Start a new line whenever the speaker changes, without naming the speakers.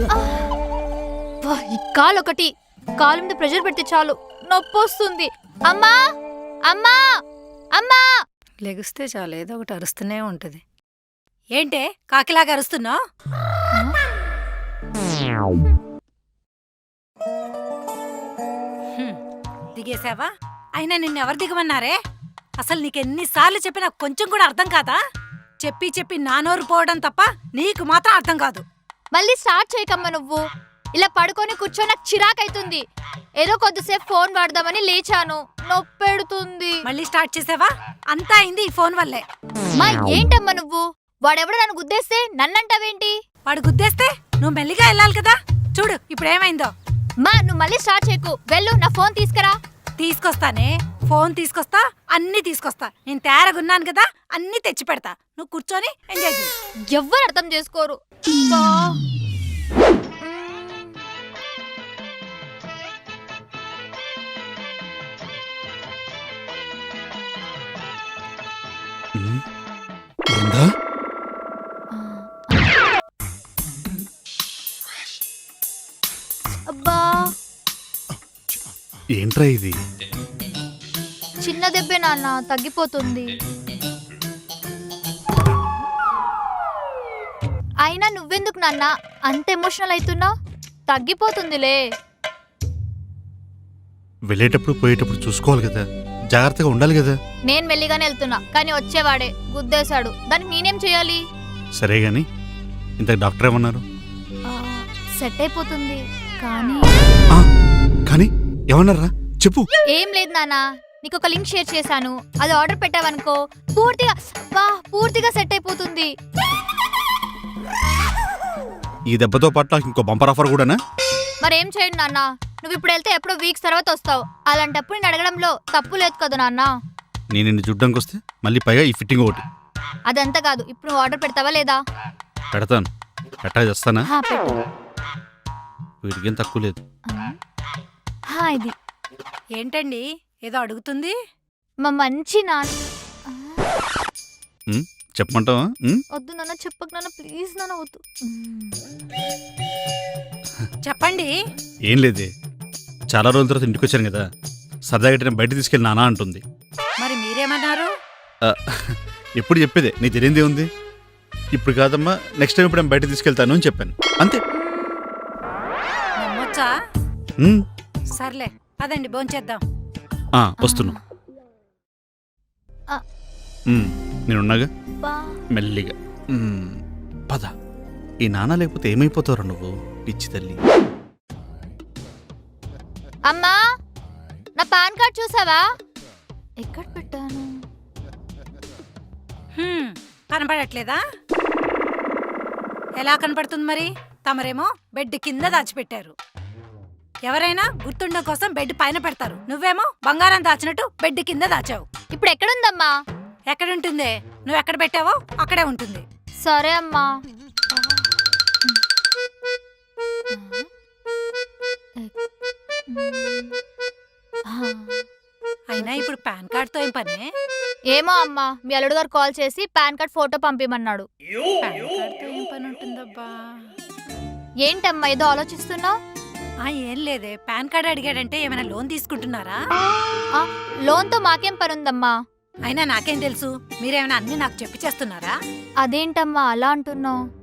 ఈ కాలు ఒకటి కాలు మీద ప్రెషర్ పెడితే చాలు నొప్పి వస్తుంది. అమ్మా అమ్మా అమ్మా
లెగిస్తే చాలు ఏదో ఒకటి అరుస్తూనే ఉంటది. ఏంటే కాకిలాగా అరుస్తున్నావు? దిగేసావా? అయినా నిన్నెవరు దిగమన్నారే? అసలు నీకెన్నిసార్లు చెప్పినా కొంచెం కూడా అర్థం కాదా? చెప్పి చెప్పి నా నోరు పోవడం తప్ప నీకు మాత్రం అర్థం కాదు.
మళ్ళీ స్టార్ట్ చేయకమ్మా. నువ్వు ఇలా పడుకొని కూర్చొని నాకు చిరాకైతుంది. ఏదో కొద్దిసేపు ఫోన్ వాడదామని లేచాను, నొప్పెడుతుంది.
మళ్ళీ స్టార్ట్ చేసావా? అంతా అయింది ఈ ఫోన్ వల్లే.
మా ఏంటమ్మా నువ్వు? వాడెవడో నన్ను గుద్దేస్తే నన్నంటావేంటి?
వాడు గుద్దేస్తే నువ్వు మెల్లిగా వెళ్ళాలి కదా. చూడు ఇప్పుడు ఏమైందో.
మా నువ్వు మళ్ళీ స్టార్ట్ చేయకు. వెళ్ళు, నా ఫోన్ తీసుకురా.
తీసుకొస్తానే, ఫోన్ తీసుకొస్తా, అన్ని తీసుకొస్తా. నేను తయారగున్నాను కదా, అన్ని తెచ్చి పెడతా. నువ్వు కూర్చొని ఎంజాయ్ చేయి.
ఎవ్వరు అర్థం చేసుకోరు. అబ్బా
ఏంట్రా ఇది?
చిన్న దెబ్బే నాన్న, తగ్గిపోతుంది. అయినా నువ్వెందుకు నాన్న అంత ఎమోషనల్ అవుతున్నావు? తగ్గిపోతుందిలే.
వెళ్ళేటప్పుడు పోయేటప్పుడు చూసుకోవాలి కదా, జాగ్రత్తగా ఉండాలి కదా.
నేను మెల్లిగానే వెళ్తున్నా, కానీ వచ్చేవాడే గుద్దేశాడు. దానికి నేనేం చేయాలి?
సరే గాని ఇంత డాక్టర్ ఏమన్నారు?
సెట్ అయిపోతుంది కానీ
కానీ ఏమన్నారా చెప్పు.
ఏం లేదు నాన్న, నీకు ఒక లింక్ షేర్ చేశాను. అది ఆర్డర్ పెట్టావనుకో పూర్తిగా సెట్ అయిపోతుంది.
ఈ దెబ్బతో పాటు నాకు ఇంకో బంపర్ ఆఫర్ కూడానా?
మరేం చేయండి నాన్న, నువ్వు ఇప్పుడు వెళ్తే ఎప్పుడో వీక్స్ తర్వాత వస్తావు. అలాంటప్పుడు నేను అడగడంలో తప్పు లేదు కదా నాన్న.
నేను నిన్ను చూడ్డానికి వస్తే మళ్ళీ పైగా ఈ ఫిట్టింగ్ ఒకటి.
అదంతా కాదు, ఇప్పుడు నువ్వు ఆర్డర్ పెడతావా లేదా?
పెడతాను. పెట్టా చేస్తానా?
పెట్టు.
వీటికేం తక్కువ లేదు.
ఇది
ఏంటండి ఏదో అడుగుతుంది?
మా మంచి నాన్న.
చెప్పమంటావా?
వద్దు నాన్న, చెప్పకు నాన్న, ప్లీజ్ నాన్న, వద్దు.
చెప్పండి.
ఏం లేదే, చాలా రోజుల తర్వాత ఇంటికి వచ్చాను కదా, సరదాగా నేను బయట తీసుకెళ్ళి నానా అంటుంది.
మరి మీరేమన్నారు?
ఎప్పుడు చెప్పేదే, నీకు తెలియందే ఉంది. ఇప్పుడు కాదమ్మా, నెక్స్ట్ టైం ఇప్పుడు నేను బయట తీసుకెళ్తాను అని చెప్పాను, అంతే.
నమ్మొచ్చా? సర్లే అదండి, భోంచేద్దాం.
వస్తున్నా. నేనున్నాగా, మెల్లిగా పద. ఈ నాన్న లేకపోతే ఏమైపోతావు నువ్వు, పిచ్చి తల్లి.
అమ్మా, నా పాన్ కార్డ్ చూసావా? ఎక్కడ పెట్టాను?
కనపడట్లేదా? ఎలా కనపడుతుంది మరి? తమరేమో బెడ్ కింద దాచిపెట్టారు. ఎవరైనా గుర్తుండడం కోసం బెడ్ పైన పెడతారు. నువ్వేమో బంగారం దాచినట్టు బెడ్ కింద దాచావు.
ఇప్పుడు ఎక్కడుందమ్మా?
ఎక్కడుంటుందే? నువ్వు ఎక్కడ పెట్టావో అక్కడే ఉంటుంది.
సరే అమ్మా.
అయినా ఇప్పుడు పాన్ కార్డ్తో ఏం పనే?
ఏమో అమ్మా, మీ అల్లుడు గారు కాల్ చేసి పాన్ కార్డ్ ఫోటో పంపిమన్నాడు.
పాన్ కార్డ్తో ఏం పని ఉంటుందబ్బా?
ఏంటమ్మా ఏదో ఆలోచిస్తున్నావు?
ఏం లేదే, పాన్ కార్డ్ అడిగాడంటే ఏమైనా లోన్ తీసుకుంటున్నారా?
లోన్తో మాకేం పని ఉందమ్మా?
అయినా నాకేం తెలుసు, మీరేమైనా అన్ని నాకు చెప్పి చేస్తున్నారా?
అదేంటమ్మా అలా అంటున్నావు?